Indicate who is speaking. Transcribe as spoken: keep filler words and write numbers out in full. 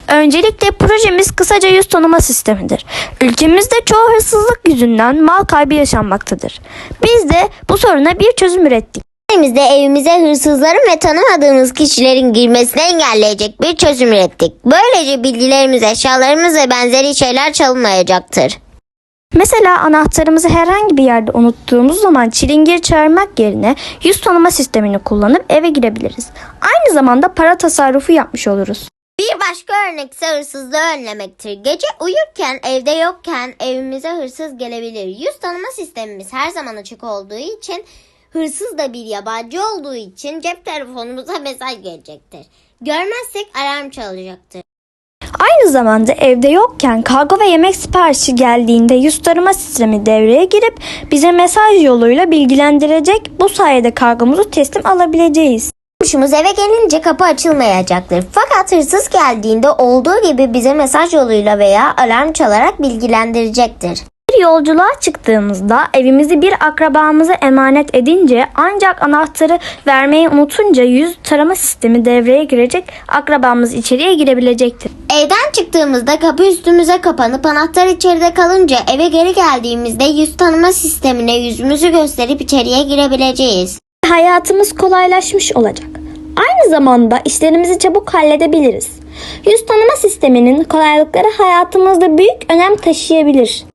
Speaker 1: Öncelikle projemiz kısaca yüz tanıma sistemidir. Ülkemizde çoğu hırsızlık yüzünden mal kaybı yaşanmaktadır. Biz de bu soruna bir çözüm ürettik.
Speaker 2: Elimizde evimize hırsızların ve tanımadığımız kişilerin girmesini engelleyecek bir çözüm ürettik. Böylece bilgilerimiz, eşyalarımız ve benzeri şeyler çalınmayacaktır.
Speaker 1: Mesela anahtarımızı herhangi bir yerde unuttuğumuz zaman çilingir çağırmak yerine yüz tanıma sistemini kullanıp eve girebiliriz. Aynı zamanda para tasarrufu yapmış oluruz.
Speaker 2: Bir başka örnek ise hırsızlığı önlemektir. Gece uyurken, evde yokken evimize hırsız gelebilir. Yüz tanıma sistemimiz her zaman açık olduğu için, hırsız da bir yabancı olduğu için cep telefonumuza mesaj gelecektir. Görmezsek alarm çalacaktır.
Speaker 1: Aynı zamanda evde yokken kargo ve yemek siparişi geldiğinde yüz tanıma sistemi devreye girip bize mesaj yoluyla bilgilendirecek. Bu sayede kargomuzu teslim alabileceğiz.
Speaker 2: Komşumuz eve gelince kapı açılmayacaktır. Fakat hırsız geldiğinde olduğu gibi bize mesaj yoluyla veya alarm çalarak bilgilendirecektir.
Speaker 1: Bir yolculuğa çıktığımızda evimizi bir akrabamıza emanet edince ancak anahtarı vermeyi unutunca yüz tarama sistemi devreye girecek, akrabamız içeriye girebilecektir.
Speaker 2: Evden çıktığımızda kapı üstümüze kapanıp anahtar içeride kalınca eve geri geldiğimizde yüz tanıma sistemine yüzümüzü gösterip içeriye girebileceğiz.
Speaker 1: Hayatımız kolaylaşmış olacak. Aynı zamanda işlerimizi çabuk halledebiliriz. Yüz tanıma sisteminin kolaylıkları hayatımızda büyük önem taşıyabilir.